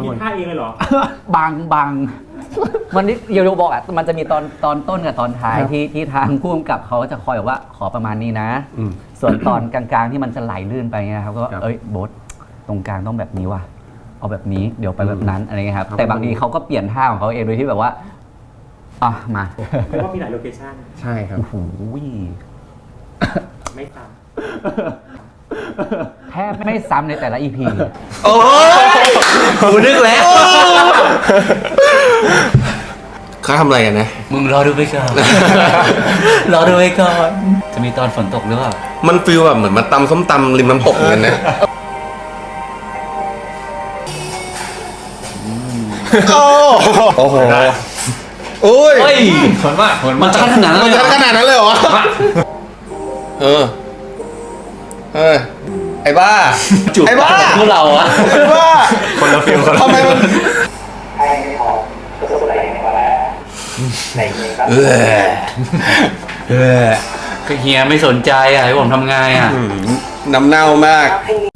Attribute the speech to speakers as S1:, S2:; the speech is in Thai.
S1: มีท่าเองเลยเหรอ
S2: บางมันนี่เยโยบอกอ่ะมันจะมีตอนต้นกับตอนท้ายที่ทางผู้กำกับเขาจะคอยบอกว่าขอประมาณนี้นะ ส่วนตอนกลางๆที่มันจะไหลลื่นไปเงี้ยครับก็เอ้ยโบ๊ทตรงกลางต้องแบบนี้ว่ะเอาแบบนี้เดี๋ยวไปแบบนั้นอะไรเงี้ยครับแต่บางทีเขาก็เปลี่ยนท่าของเขาเองโดยที่แบบว่าอ่ะมา
S1: เพราะว่ามีหลายโลเคชั่น
S3: ใช่ครับ
S2: โอ้โห
S1: ไม่ซ้
S2: แทบไม่ซ้ำในแต่ละ EP
S3: โอ้ยกูนึกแล้วเขาทำอะไรกันนะ
S2: มึงรอดูไปก่อน รอดูไปก่อนจะมีตอนฝนตกหรือเปล่า
S3: มันฟีลแบบเหมือนมาตำส้มตำริมน้ำตกเหมือนกันนะโอ้โหโอ้ย
S2: เฮ้ย
S4: มันชัดขนาดนั้น
S3: มัน
S4: เลย
S3: จะขนาดนั้นเลยเหรอเออไอ้บ้า
S4: จุด
S3: ไอ้บ้า
S4: พวกเราอะ
S3: ไอ้บ้าคนละฟิลทำไมมัน
S4: ก็เฮียไม่สนใจอะให้ผมทำไงอะ
S3: น้ำเน่ามาก